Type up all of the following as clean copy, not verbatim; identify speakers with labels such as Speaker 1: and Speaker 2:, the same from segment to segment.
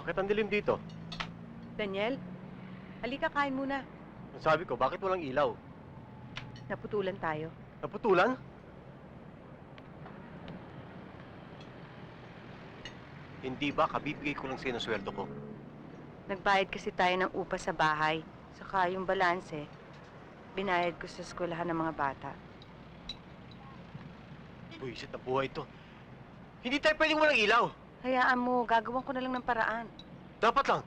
Speaker 1: Bakit ang dilim dito?
Speaker 2: Daniel, halika kain muna.
Speaker 1: Ang sabi ko, bakit walang ilaw?
Speaker 2: Naputulan tayo.
Speaker 1: Naputulan? Hindi ba kabibigay ko lang sa'yo ng sweldo ko?
Speaker 2: Nagbayad kasi tayo ng upa sa bahay. Saka yung balanse, binayad ko sa eskwelahan ng mga bata.
Speaker 1: Buisit na buhay to. Hindi tayo pwedeng walang ilaw.
Speaker 2: Hayaan mo, gagawan ko na lang ng paraan.
Speaker 1: Dapat lang.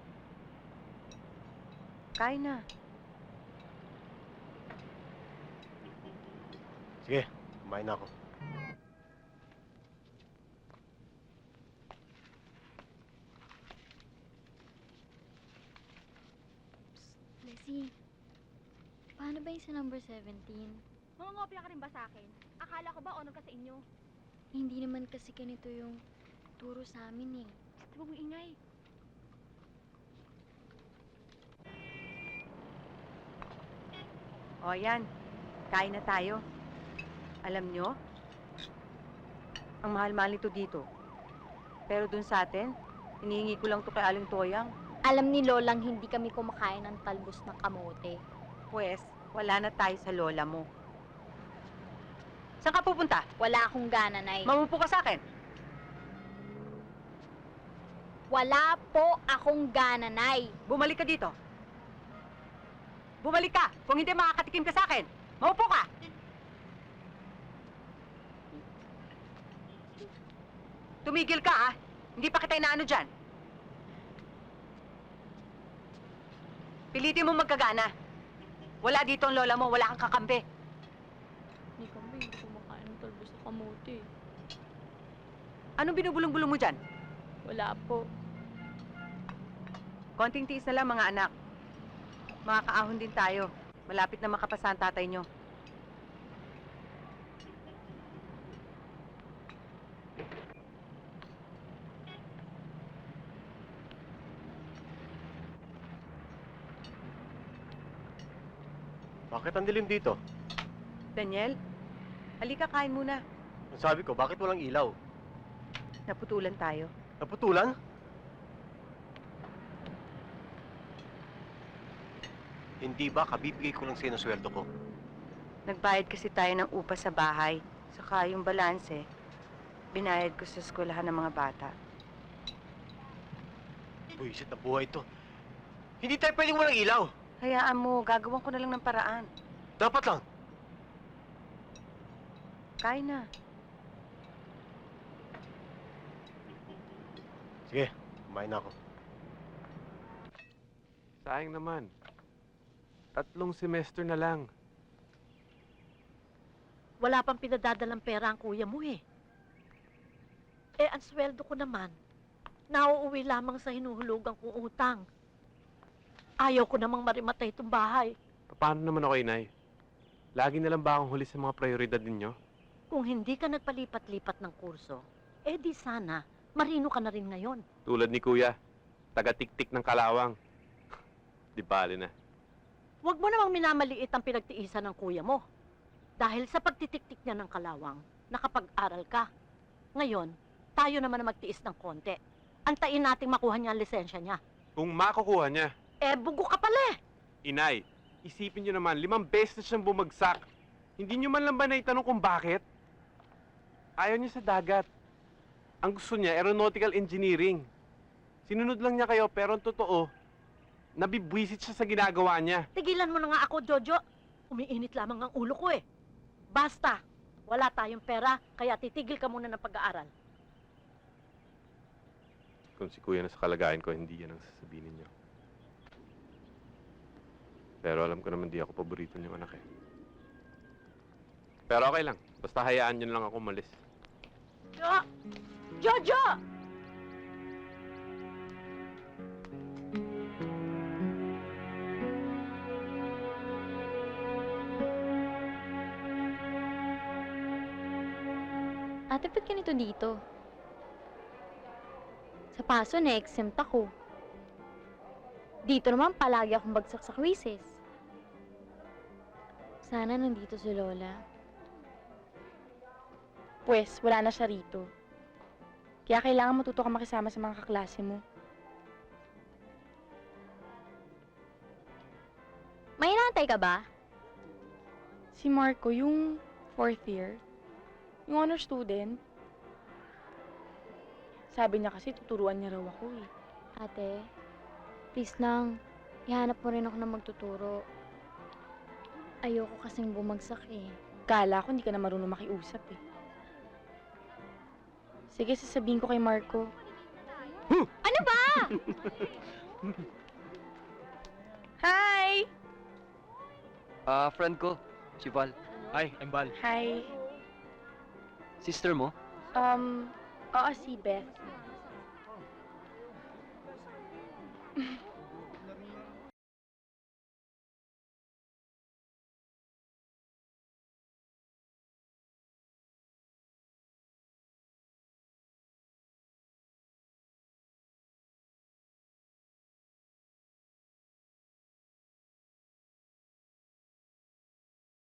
Speaker 2: Kain na.
Speaker 1: Sige, kumain na ako.
Speaker 3: Leslie, paano ba yung sa number 17?
Speaker 4: Mangungopia ka rin ba sa akin? Akala ko ba honor ka sa inyo?
Speaker 3: Hindi naman kasi ganito yung turo sa amin eh.
Speaker 4: Di ba mo ingay?
Speaker 2: O yan, kain na tayo. Alam nyo, ang mahal-mahal nito dito. Pero dun sa atin, hinihingi ko lang to kay Aling Toyang.
Speaker 3: Alam ni Lolang hindi kami kumakain ng talbos ng kamote.
Speaker 2: Pwes, wala na tayo sa lola mo. Saan ka pupunta?
Speaker 3: Wala akong gana, Nay.
Speaker 2: Mamupo ka sa akin.
Speaker 3: Wala po akong gana, Nay.
Speaker 2: Bumalik ka dito. Bumalik ka! Kung hindi, makakatikim ka sa akin. Maupo ka! Tumigil ka, ha? Hindi pa kita inaano dyan. Pilitin mo magkagana. Wala dito ang lola mo, wala kang kakampi.
Speaker 3: Hindi kami, hindi kumakain ng talbos ng kamote.
Speaker 2: Anong binubulong-bulong mo dyan?
Speaker 3: Wala po.
Speaker 2: Konting tiis na lang, mga anak. Makakaahon din tayo. Malapit na makapasa ang tatay nyo.
Speaker 1: Bakit ang dilim dito?
Speaker 2: Daniel, halika kain muna.
Speaker 1: Ang sabi ko, bakit walang ilaw?
Speaker 2: Naputulan tayo.
Speaker 1: Naputulan? Hindi ba kabibigay ko lang sa'yo ng sweldo ko?
Speaker 2: Nagbayad kasi tayo ng upa sa bahay. Saka yung balanse, binayad ko sa eskwelahan ng mga bata.
Speaker 1: Buisit na buhay to. Hindi tayo pwedeng walang ilaw.
Speaker 2: Hayaan mo, gagawan ko na lang ng paraan.
Speaker 1: Dapat lang.
Speaker 2: Kain na.
Speaker 1: Sige, kumain na ako.
Speaker 5: Sayang naman. 3 semester na lang.
Speaker 6: Wala pang pinadadalang pera ang kuya mo eh. Eh, ang sweldo ko naman, nauuwi lamang sa hinuhulugan kong utang. Ayaw ko namang marimatay itong bahay.
Speaker 5: Paano naman ako, Inay? Lagi na lang ba akong huli sa mga prioridad ninyo?
Speaker 6: Kung hindi ka nagpalipat-lipat ng kurso, eh di sana, marino ka na rin ngayon.
Speaker 5: Tulad ni Kuya, taga-tik-tik ng Kalawang. Di bali na.
Speaker 6: Huwag mo namang minamaliit ang pinagtiisan ng kuya mo. Dahil sa pagtitik-tik niya ng Kalawang, nakapag-aral ka. Ngayon, tayo naman na magtiis ng konti. Antayin nating makuha niya ang lisensya niya.
Speaker 5: Kung makukuha niya,
Speaker 6: Eh, bugo ka pala eh.
Speaker 5: Inay, isipin niyo naman, 5 beses na siyang bumagsak. Hindi niyo man lang ba naitanong kung bakit? Ayaw niya sa dagat. Ang gusto niya, aeronautical engineering. Sinunod lang niya kayo, pero ang totoo, nabibwisit siya sa ginagawa niya.
Speaker 6: Tigilan mo na nga ako, Jojo. Umiinit lamang ang ulo ko eh. Basta, wala tayong pera, kaya titigil ka muna ng pag-aaral.
Speaker 5: Kung si Kuya na sa kalagayan ko, hindi yan ang sasabihin niyo. Pero alam ko naman di ako paborito niyong anak eh. Pero okay lang. Basta hayaan niyo na lang ako umalis.
Speaker 6: Jojo!
Speaker 3: Ate, ba't ganito dito? Sa paso, na-exempt ako. Dito naman, palagi akong bagsak sa quizzes. Sana nandito si Lola.
Speaker 4: Pwes, wala na siya rito. Kaya kailangan matuto ka makisama sa mga kaklase mo.
Speaker 3: May inaantay ka ba?
Speaker 7: Si Marco, yung 4th year, yung honor student. Sabi niya kasi tuturuan niya raw ako eh.
Speaker 3: Ate, please lang. Ihanap mo rin ako na magtuturo. Ayoko kasing bumagsak eh.
Speaker 7: Kala ko hindi ka na marunong makiusap eh. Sige, sasabihin ko kay Marco.
Speaker 3: Ano ba?
Speaker 7: Hi!
Speaker 8: Friend ko, si Val.
Speaker 1: Ay, I'm Bal.
Speaker 7: Hi.
Speaker 8: Sister mo?
Speaker 7: Oo, si Beth.